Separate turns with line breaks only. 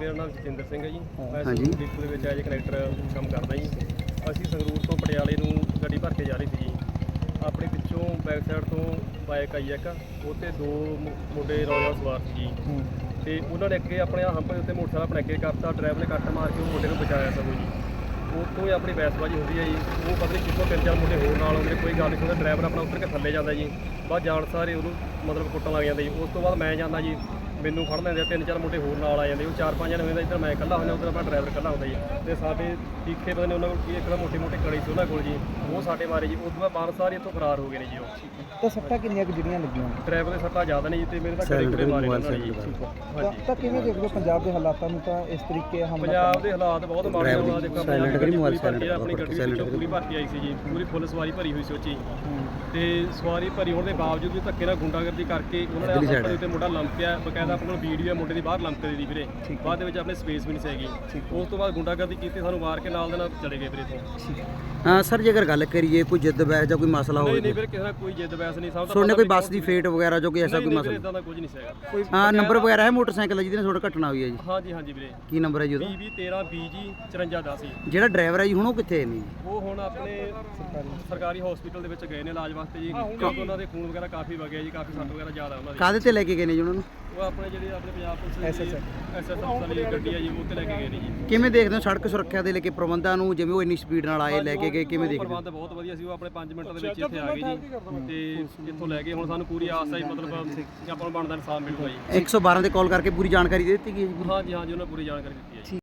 ਮੇਰਾ ਨਾਮ ਜਤਿੰਦਰ ਸਿੰਘ ਹੈ ਜੀ। ਮੈਂ ਸੰਗਰੂਰ ਡਿਪੂ ਦੇ ਵਿੱਚ ਐਜ ਕਨੈਕਟਰ ਕੰਮ ਕਰਦਾ ਜੀ। ਅਸੀਂ ਸੰਗਰੂਰ ਤੋਂ ਪਟਿਆਲੇ ਨੂੰ ਗੱਡੀ ਭਰ ਕੇ ਜਾ ਰਹੀ ਸੀ ਜੀ। ਆਪਣੇ ਪਿੱਛੋਂ ਬੈਕ ਸਾਈਡ ਤੋਂ ਬਾਈਕ ਆਈ ਇੱਕ, ਉਹ 'ਤੇ ਦੋ ਮੁੰਡੇ ਰੌਲਾ ਸਵਾਰ ਸੀ ਜੀ। ਅਤੇ ਉਹਨਾਂ ਨੇ ਅੱਗੇ ਆਪਣੇ ਹੰਪ ਦੇ ਉੱਤੇ ਮੋਟਰਸਾਈਕਲ ਆਪਣੇ ਅੱਗੇ ਕਰਤਾ, ਡਰਾਈਵਰ ਨੇ ਕੱਟ ਮਾਰ ਕੇ ਉਹ ਮੁੰਡੇ ਨੂੰ ਬਚਾਇਆ ਸਗੋਂ ਜੀ। ਉੱਥੋਂ ਹੀ ਆਪਣੀ ਬਹਿਸਬਾਜ਼ੀ ਹੁੰਦੀ ਹੈ ਜੀ। ਉਹ ਪਤਾ ਨਹੀਂ ਕਿੱਥੋਂ 3-4 ਮੁੰਡੇ ਹੋਰ ਨਾਲ ਆਉਂਦੇ, ਕੋਈ ਗੱਲ ਨਹੀਂ ਸੁਣਦਾ। ਡਰਾਈਵਰ ਆਪਣਾ ਉੱਤਰ ਕੇ ਥੱਲੇ ਜਾਂਦਾ ਜੀ। ਬਾਅਦ ਜਾਣ ਸਾਰੇ ਉਹਨੂੰ ਮਤਲਬ ਕੁੱਟਣ ਲੱਗ ਜਾਂਦੇ ਜੀ। ਉਸ ਤੋਂ ਬਾਅਦ ਮੈਂ ਜਾਂਦਾ ਜੀ, ਮੈਨੂੰ ਫੜ ਲੈਂਦੇ, 3-4 ਮੁੰਡੇ ਹੋਰ ਨਾਲ ਆ ਜਾਂਦੇ। ਉਹ 4-5 ਜਣੇ ਹੁੰਦੇ, ਇੱਧਰ ਮੈਂ ਇਕੱਲਾ ਹੁੰਦਾ, ਉੱਧਰ ਆਪਣਾ ਡਰਾਈਵਰ ਇਕੱਲਾ ਹੁੰਦਾ ਜੀ। ਅਤੇ ਸਾਡੇ ਤੀਖੇ ਪਤਾ ਨਹੀਂ ਉਹਨਾਂ ਕੋਲ ਕੀ ਇੱਕ ਤਾਂ ਮੋਟੀ ਕੜੀ ਸੀ ਉਹਨਾਂ ਕੋਲ ਜੀ, ਉਹ ਸਾਡੇ ਮਾਰੇ ਜੀ। ਉਸ ਤੋਂ ਬਾਅਦ ਬਾਹਰ ਸਾਰੇ ਇੱਥੋਂ ਫਰਾਰ ਹੋ ਗਏ ਨੇ ਜੀ। ਉਹ
ਤਾਂ ਸੱਟਾਂ ਕਿੰਨੀਆਂ ਕੁ ਜਿਹੜੀਆਂ ਲੱਗੀਆਂ?
ਡਰਾਈਵਰ ਦੇ ਸੱਟਾਂ ਜ਼ਿਆਦਾ ਨਹੀਂ ਜੀ, ਅਤੇ ਮੇਰੇ ਤਾਂ ਕੜੇ ਮਾਰੇ ਉਹਨਾਂ ਨੇ ਜੀ।
ਤਾਂ ਕਿਵੇਂ ਦੇਖਦੇ ਹੋ ਪੰਜਾਬ ਦੇ ਹਾਲਾਤਾਂ ਨੂੰ? ਤਾਂ ਇਸ ਤਰੀਕੇ
ਪੰਜਾਬ ਦੇ ਹਾਲਾਤ ਬਹੁਤ ਮਾੜੇ ਆ। ਦੇਖੋ ਪੰਜਾਬ ਦੀ ਗੱਡੀ ਪੂਰੀ ਭਰਤੀ, ਆਪਣੀ ਗੱਡੀ ਵਿੱਚੋਂ ਪੂਰੀ ਭਰਤੀ ਆਈ ਸੀ ਜੀ, ਪੂਰੀ ਫੁੱਲ ਸਵਾਰੀ ਭਰੀ ਹੋਈ ਸੀ ਉਹ 'ਚ ਜੀ। ਅਤੇ ਸਵਾਰੀ ਭਰੀ ਹੋਣ ਦੇ ਬਾਵਜੂਦ ਵੀ ਧੱਕੇ ਨਾਲ ਗੁੰਡਾਗਰਦੀ ਕਰਕੇ ਉਹਨਾਂ ਨੇ ਆਪਣੇ ਉੱਤੇ ਮੁੰਡਾ ਲੰਮਕਿਆ। ਬਕਾਇਦਾ ਆਪਣੇ ਕੋਲ ਵੀਡੀਓ ਹੈ ਮੁੰਡੇ ਦੀ ਬਾਹਰ ਲੰਮਕਦੇ ਦੀ ਵੀਰੇ। ਬਾਅਦ ਦੇ ਵਿੱਚ ਆਪਣੇ ਸਪੇਸ ਵੀ ਨਹੀਂ ਸੀਗੀ। ਉਸ ਤੋਂ ਬਾਅਦ ਗੁੰਡਾਗਰਦੀ ਕੀਤੀ, ਸਾਨੂੰ ਮਾਰ ਕੇ ਨਾਲ ਦੇ ਨਾਲ ਚਲੇ ਗਏ ਵੀਰੇ ਤੋਂ।
ਸਰ ਜੇਕਰ ਗੱਲ ਕਰੀਏ ਕੋਈ ਜਿੱਦ ਬਹਿਸ ਜਾਂ ਕੋਈ ਮਸਲਾ ਹੋਵੇ?
ਨਹੀਂ ਵੀਰੇ, ਕਿਸੇ ਦਾ ਕੋਈ ਜਿੱਦ ਬਹਿਸ ਨਹੀਂ। ਸਭ
ਤੁਹਾਡੇ ਕੋਈ ਬੱਸ ਦੀ ਫੇਟ ਵਗੈਰਾ ਜੋ ਕੋਈ ਐਸਾ ਕੋਈ ਮਸਲਾ?
ਇਦਾਂ ਦਾ ਕੁਝ ਨਹੀਂ ਸੀਗਾ।
ਹਾਂ, ਨੰਬਰ ਵਗੈਰਾ ਹੈ ਮੋਟਰਸਾਈਕਲ ਜਿਹਦੇ ਨਾਲ ਤੁਹਾਡਾ ਘਟਨਾ ਹੋਈ ਹੈ ਜੀ?
ਹਾਂਜੀ ਵੀਰੇ।
ਕੀ ਨੰਬਰ ਹੈ ਜੀ ਉਹਦਾ?
2013 5410 ਜੀ।
ਜਿਹੜਾ ਡਰਾਈਵਰ ਹੈ ਜੀ ਹੁਣ ਉਹ ਕਿੱਥੇ ਨੇ?
ਉਹ ਹੁਣ ਆਪਣੇ ਸਰਕਾਰੀ ਹਸਪੀਟਲ ਦੇ ਵਿੱਚ ਗਏ ਨੇ ਇਲਾਜ ਵਾਸਤੇ ਜੀ, ਕਿਉਂਕਿ ਉਹਨਾਂ ਦੇ ਖੂਨ ਵਗੈਰਾ ਕਾਫੀ ਵਗਿਆ ਜੀ, ਕਾਫੀ ਸੱਟ ਵਗੈਰਾ ਜ਼ਿਆਦਾ ਉਹਨਾਂ ਦੀ।
ਕਾਹਦੇ ਤੇ ਲੈ ਕੇ ਗਏ ਨੇ ਜੀ ਉਹਨਾਂ ਨੂੰ?
ਉਹ ਆਪਣੇ ਜਿਹੜੀ ਆਪਣੇ ਪੰਜਾਬ ਪੁਲਿਸ ਐਸਐਸ ਵਾਲੀ ਗੱਡੀ ਆ ਜੀ, ਉਹ ਤੇ ਲੈ ਕੇ ਗਏ ਨੇ ਜੀ।
ਕਿਵੇਂ ਦੇਖਦੇ ਹੋ ਸੜਕ ਸੁਰੱਖਿਆ ਦੇ ਲੈ ਕੇ ਪ੍ਰਬੰਧਾਂ ਨੂੰ, ਜਿਵੇਂ ਉਹ ਇੰਨੀ ਸਪੀਡ ਨਾਲ ਆਏ ਲੈ ਕੇ ਗਏ, ਕਿਵੇਂ ਦੇਖਦੇ ਹੋ?
ਪ੍ਰਬੰਧ ਬਹੁਤ ਵਧੀਆ ਸੀ। ਉਹ ਆਪਣੇ 5 ਮਿੰਟਾਂ ਦੇ ਵਿੱਚ ਇੱਥੇ ਆ ਗਏ ਜੀ, ਤੇ ਇੱਥੋਂ ਲੈ ਗਏ। ਹੁਣ ਸਾਨੂੰ ਪੂਰੀ ਆਸ ਹੈ ਮਤਲਬ ਆਪਾਂ ਨੂੰ ਬਣਦਾ ਇਨਸਾਫ ਮਿਲੂਗਾ ਜੀ।
112 ਤੇ ਕਾਲ ਕਰਕੇ ਪੂਰੀ ਜਾਣਕਾਰੀ ਦੇ ਦਿੱਤੀ ਗਈ ਹੈ ਜੀ?
ਹਾਂਜੀ ਉਹਨਾਂ ਪੂਰੀ ਜਾਣਕਾਰੀ ਦਿੱਤੀ ਹੈ ਜੀ।